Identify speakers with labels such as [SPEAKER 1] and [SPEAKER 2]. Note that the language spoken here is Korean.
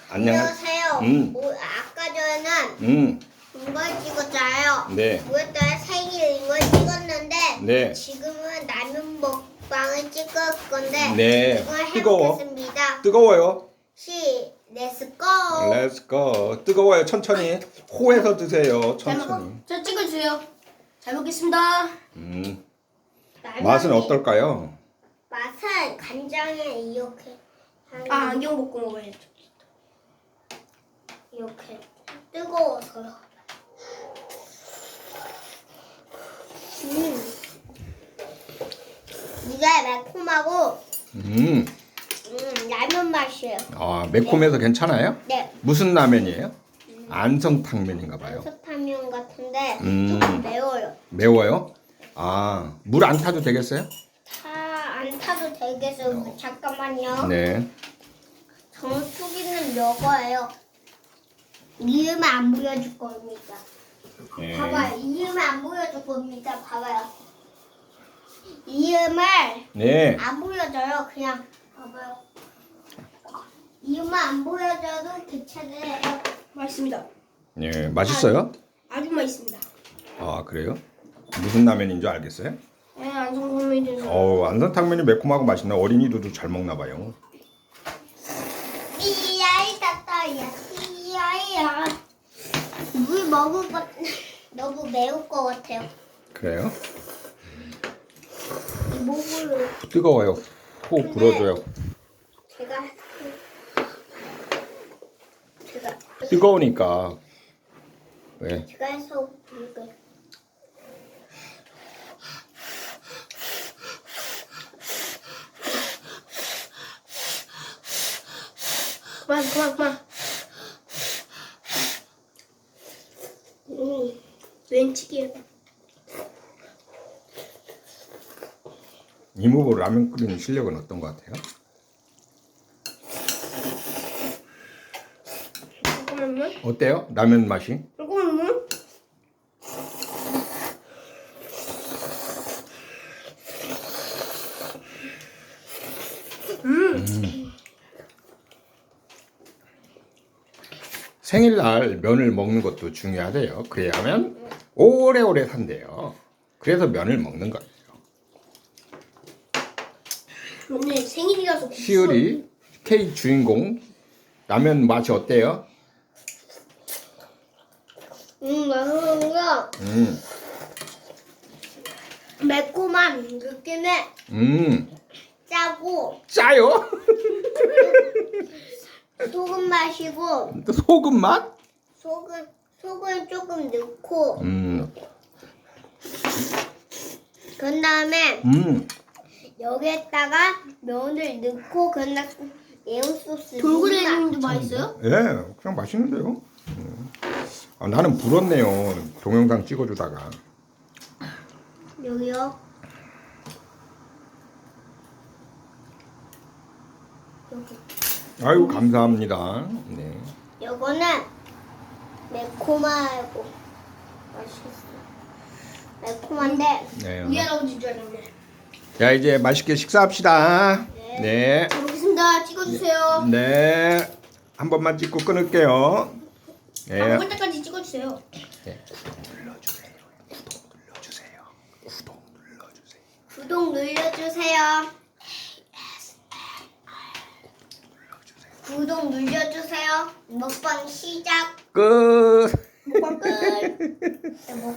[SPEAKER 1] 안녕하세요. 아까 전에는 이걸 찍었잖아요.
[SPEAKER 2] 네.
[SPEAKER 1] 그랬더니 생일 이걸 찍었는데
[SPEAKER 2] 네.
[SPEAKER 1] 지금은 라면 먹방을 찍을 건데
[SPEAKER 2] 네.
[SPEAKER 1] 이걸
[SPEAKER 2] 뜨거워.
[SPEAKER 1] 해보겠습니다.
[SPEAKER 2] 뜨거워요.
[SPEAKER 1] 렛츠고.
[SPEAKER 2] Let's go. 뜨거워요. 천천히. 호에서 드세요. 천천히.
[SPEAKER 3] 저 찍어주세요. 잘 먹겠습니다.
[SPEAKER 2] 맛은 어떨까요?
[SPEAKER 1] 맛은 간장에 이렇게 하는
[SPEAKER 3] 안경 벗고 먹어야죠.
[SPEAKER 1] 이렇게 뜨거워서요. 이게 매콤하고 라면 맛이에요.
[SPEAKER 2] 아, 매콤해서 괜찮아요?
[SPEAKER 1] 네. 무슨
[SPEAKER 2] 무슨 라면이에요? 안성탕면인가 봐요.
[SPEAKER 1] 스파면 같은데
[SPEAKER 2] 음.
[SPEAKER 1] 조금 매워요.
[SPEAKER 2] 매워요? 아, 물 안 타도 되겠어요?
[SPEAKER 1] 안 타도 되겠어요. 잠깐만요.
[SPEAKER 2] 네.
[SPEAKER 1] 정수기는 이거예요. 이음을 안 보여줄 겁니다.
[SPEAKER 2] 네.
[SPEAKER 1] 봐봐요. 이음을 안 보여줄 겁니다. 봐봐요. 이음을
[SPEAKER 2] 네.
[SPEAKER 1] 안 보여줘요. 그냥 봐봐요. 이음을 안 보여줘도 괜찮아요.
[SPEAKER 3] 맛있습니다.
[SPEAKER 2] 네, 맛있어요?
[SPEAKER 3] 아주 맛있습니다.
[SPEAKER 2] 아, 그래요? 무슨 라면인 줄 알겠어요?
[SPEAKER 3] 네, 안성선민이
[SPEAKER 2] 안성탕면이 매콤하고 맛있나? 어린이들도 잘 먹나 봐요.
[SPEAKER 1] 이야이 따따야 이야이야. 물 먹을 것 너무 매울 것 같아요.
[SPEAKER 2] 그래요?
[SPEAKER 1] 이 목을
[SPEAKER 2] 뜨거워요. 호 불어줘요.
[SPEAKER 1] 제가
[SPEAKER 2] 뜨거우니까. 왜?
[SPEAKER 1] 제가 해서 이거
[SPEAKER 3] 그만. 왼치기에
[SPEAKER 2] 이모부 라면 끓이는 실력은 어떤 것 같아요?
[SPEAKER 3] 잠깐만요.
[SPEAKER 2] 어때요? 라면 맛이?
[SPEAKER 3] 잠깐만요.
[SPEAKER 2] 생일날 면을 먹는 것도 중요하대요. 그래야면 오래오래 산대요. 그래서 면을 먹는 거예요.
[SPEAKER 3] 오늘 생일이라서
[SPEAKER 2] 시을이 케이크 주인공 라면 맛이 어때요?
[SPEAKER 1] 맛있는가
[SPEAKER 2] 음,
[SPEAKER 1] 매콤한 느낌에 짜고
[SPEAKER 2] 짜요?
[SPEAKER 1] 소금 맛이고
[SPEAKER 2] 또 소금 맛?
[SPEAKER 1] 소금 조금 넣고
[SPEAKER 2] 음,
[SPEAKER 1] 그런 다음에 여기에다가 면을 넣고 그런 다음에 매운 소스
[SPEAKER 3] 돌그레이님도 맛있어요?
[SPEAKER 2] 예, 그냥 맛있는데요. 아, 나는 불었네요. 동영상 찍어주다가.
[SPEAKER 1] 여기요. 여기.
[SPEAKER 2] 아이고 감사합니다. 네.
[SPEAKER 1] 요거는 매콤하고 맛있어요. 매콤한데
[SPEAKER 2] 네.
[SPEAKER 3] 미안하고 줄 알았네.
[SPEAKER 2] 자 이제 맛있게 식사합시다. 네.
[SPEAKER 3] 잘 먹겠습니다. 찍어주세요.
[SPEAKER 2] 네. 한 번만 찍고 끊을게요. 네.
[SPEAKER 3] 먹을 때까지 찍어주세요.
[SPEAKER 2] 네. 구독 눌러주세요. 구독 눌러주세요.
[SPEAKER 1] 구독 눌러주세요. 구독 눌러주세요. 먹방 시작.
[SPEAKER 2] 끝.
[SPEAKER 1] 먹방 끝.